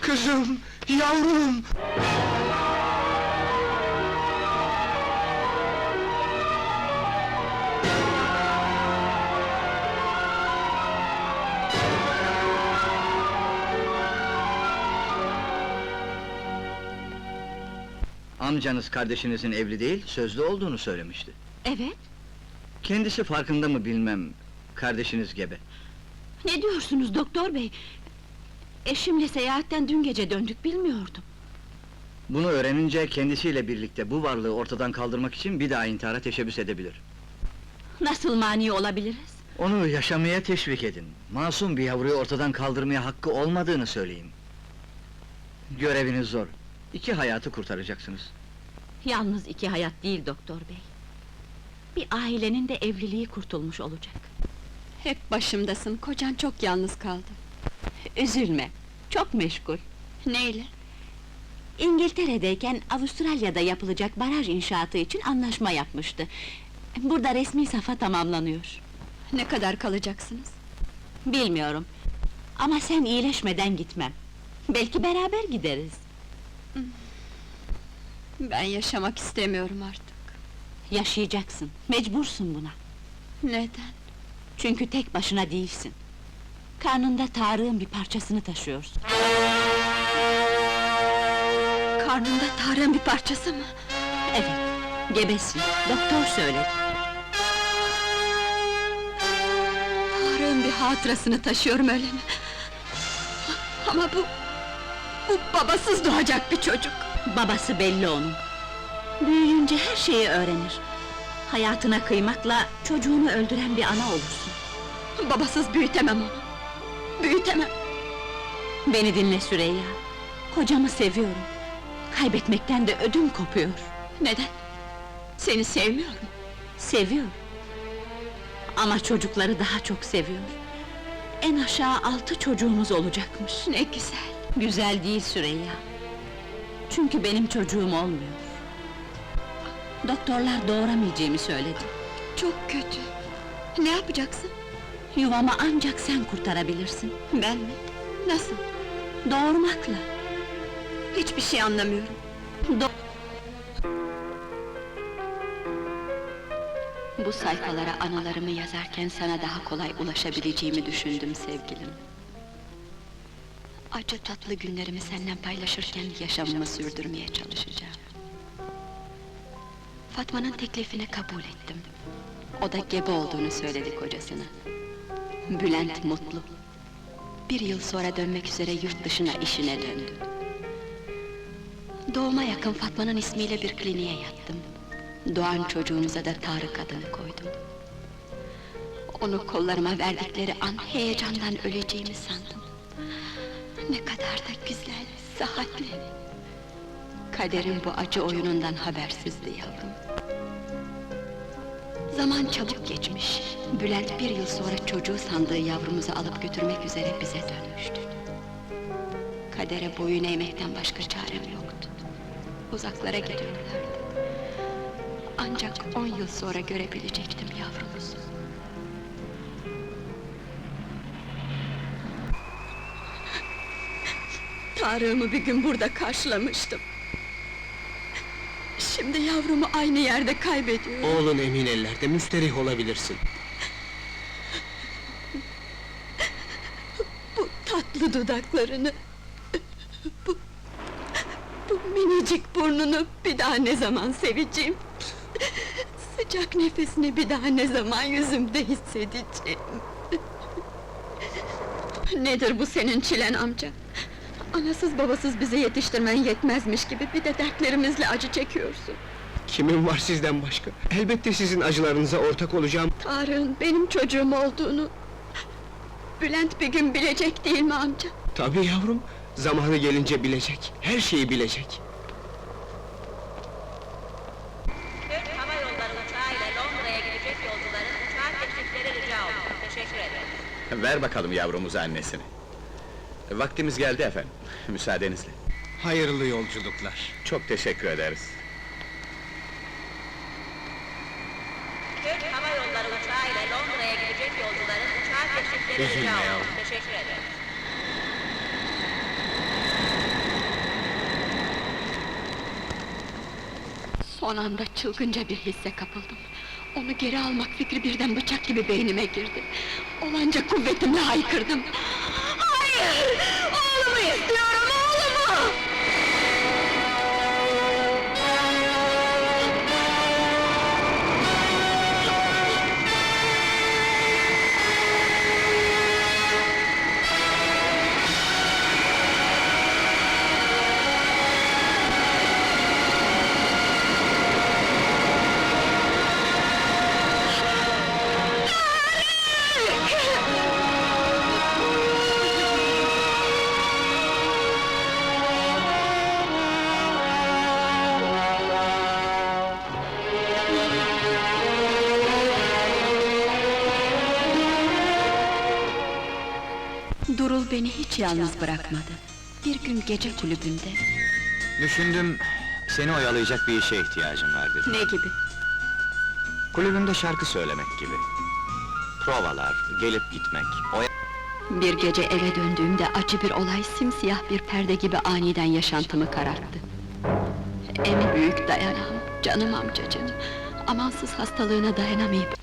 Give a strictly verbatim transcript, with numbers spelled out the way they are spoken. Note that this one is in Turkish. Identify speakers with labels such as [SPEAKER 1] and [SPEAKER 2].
[SPEAKER 1] Kızım, yavrum!
[SPEAKER 2] Amcanız kardeşinizin evli değil, sözlü olduğunu söylemişti.
[SPEAKER 3] Evet,
[SPEAKER 2] Kendisi farkında mı bilmem, kardeşiniz gebe.
[SPEAKER 3] ne diyorsunuz doktor bey? Eşimle seyahatten dün gece döndük, bilmiyordum.
[SPEAKER 2] Bunu öğrenince kendisiyle birlikte bu varlığı ortadan kaldırmak için bir daha intihara teşebbüs edebilir.
[SPEAKER 3] Nasıl mani olabiliriz?
[SPEAKER 2] Onu yaşamaya teşvik edin. Masum bir yavruyu ortadan kaldırmaya hakkı olmadığını söyleyin. Göreviniz zor. İki hayatı kurtaracaksınız.
[SPEAKER 3] Yalnız iki hayat değil doktor bey. Bir ailenin de evliliği kurtulmuş olacak.
[SPEAKER 4] Hep başımdasın, kocan çok yalnız kaldı.
[SPEAKER 3] Üzülme, çok meşgul.
[SPEAKER 4] Neyle?
[SPEAKER 3] İngiltere'deyken Avustralya'da yapılacak baraj inşaatı için anlaşma yapmıştı. Burada resmi safa tamamlanıyor.
[SPEAKER 4] Ne kadar kalacaksınız?
[SPEAKER 3] Bilmiyorum. Ama sen iyileşmeden gitmem. Belki beraber gideriz.
[SPEAKER 4] Ben yaşamak istemiyorum artık.
[SPEAKER 3] Yaşayacaksın, mecbursun buna.
[SPEAKER 4] Neden?
[SPEAKER 3] Çünkü tek başına değilsin. Karnında Tarık'ın bir parçasını taşıyorsun.
[SPEAKER 4] Karnında Tarık'ın bir parçası mı?
[SPEAKER 3] Evet, gebesin, doktor söyledi.
[SPEAKER 4] Tarık'ın bir hatırasını taşıyorum, öyle mi? Ama bu... bu babasız doğacak bir çocuk.
[SPEAKER 3] Babası belli onun. Büyüyünce her şeyi öğrenir. Hayatına kıymakla çocuğunu öldüren bir ana olursun.
[SPEAKER 4] Babasız büyütemem onu. Büyütemem.
[SPEAKER 3] Beni dinle Süreyya. Kocamı seviyorum. Kaybetmekten de ödüm kopuyor.
[SPEAKER 4] Neden? Seni sevmiyor mu?
[SPEAKER 3] Seviyor. Ama çocukları daha çok seviyor. En aşağı altı çocuğumuz olacakmış.
[SPEAKER 4] Ne güzel.
[SPEAKER 3] Güzel değil Süreyya. Çünkü benim çocuğum olmuyor. Doktorlar doğuramayacağımı söyledi.
[SPEAKER 4] Çok kötü. Ne yapacaksın?
[SPEAKER 3] Yuvamı ancak sen kurtarabilirsin.
[SPEAKER 4] Ben mi? Nasıl?
[SPEAKER 3] Doğurmakla.
[SPEAKER 4] Hiçbir şey anlamıyorum.
[SPEAKER 3] Do
[SPEAKER 4] Bu sayfalara anılarımı yazarken sana daha kolay ulaşabileceğimi düşündüm sevgilim. Acı tatlı günlerimi seninle paylaşırken yaşamımı sürdürmeye çalışacağım. Fatma'nın teklifini kabul ettim. O da gebe olduğunu söyledi kocasına. Bülent mutlu. Bir yıl sonra dönmek üzere yurt dışına işine döndü. Doğuma yakın Fatma'nın ismiyle bir kliniğe yattım. Doğan çocuğumuza da Tarık adını koydum. Onu kollarıma verdikleri an heyecandan öleceğimi sandım. Ne kadar da güzel, sıhhatli. Kaderin bu acı oyunundan habersizdi yavrum. Zaman çabuk geçmiş. Bülent bir yıl sonra çocuğu sandığı yavrumuzu alıp götürmek üzere bize dönmüştü. Kadere boyun eğmekten başka çarem yoktu. Uzaklara gidiyorlardı. Ancak on yıl sonra görebilecektim yavrumuzu. Tarık'ımı bir gün burada karşılamıştım. Şimdi yavrumu aynı yerde kaybediyorum.
[SPEAKER 1] Oğlun emin ellerde, müsterih olabilirsin.
[SPEAKER 4] Bu tatlı dudaklarını... Bu... Bu minicik burnunu bir daha ne zaman seveceğim? Sıcak nefesini bir daha ne zaman yüzümde hissedeceğim? Nedir bu senin çilen amca? Anasız babasız bizi yetiştirmen yetmezmiş gibi bir de dertlerimizle acı çekiyorsun.
[SPEAKER 1] Kimin var sizden başka? Elbette sizin acılarınıza ortak olacağım.
[SPEAKER 4] Tarık'ın benim çocuğum olduğunu... Bülent bir gün bilecek değil mi amca?
[SPEAKER 1] Tabii yavrum, zamanı gelince bilecek, her şeyi bilecek.
[SPEAKER 5] Türk Hava Yolları uçağıyla Londra'ya gidecek yolcuların uçağa geçtikleri rica olunur. Teşekkür ederim.
[SPEAKER 6] Ver bakalım yavrumuza annesini. Vaktimiz geldi efendim, müsaadenizle.
[SPEAKER 1] Hayırlı yolculuklar.
[SPEAKER 6] Çok teşekkür ederiz.
[SPEAKER 5] Türk Hava Yolları uçağıyla Londra'ya gidecek yolcuların uçağa geçtikleri
[SPEAKER 1] Üzülme
[SPEAKER 5] rica
[SPEAKER 1] yavrum.
[SPEAKER 5] olunur. Teşekkür ederim.
[SPEAKER 4] Son anda çılgınca bir hisse kapıldım. Onu geri almak fikri birden bıçak gibi beynime girdi. Olanca kuvvetimle haykırdım. Hayır! Oğlumu istiyorum, oğlumu! Durul beni hiç yalnız bırakmadı. Bir gün gece kulübünde.
[SPEAKER 7] Düşündüm, seni oyalayacak bir işe ihtiyacım var dedim.
[SPEAKER 4] Ne gibi?
[SPEAKER 7] Kulübünde şarkı söylemek gibi. Provalar, gelip gitmek, oya...
[SPEAKER 4] Bir gece eve döndüğümde acı bir olay simsiyah bir perde gibi aniden yaşantımı kararttı. En büyük dayanağım, canım amcacığım. Amansız hastalığına dayanamayıp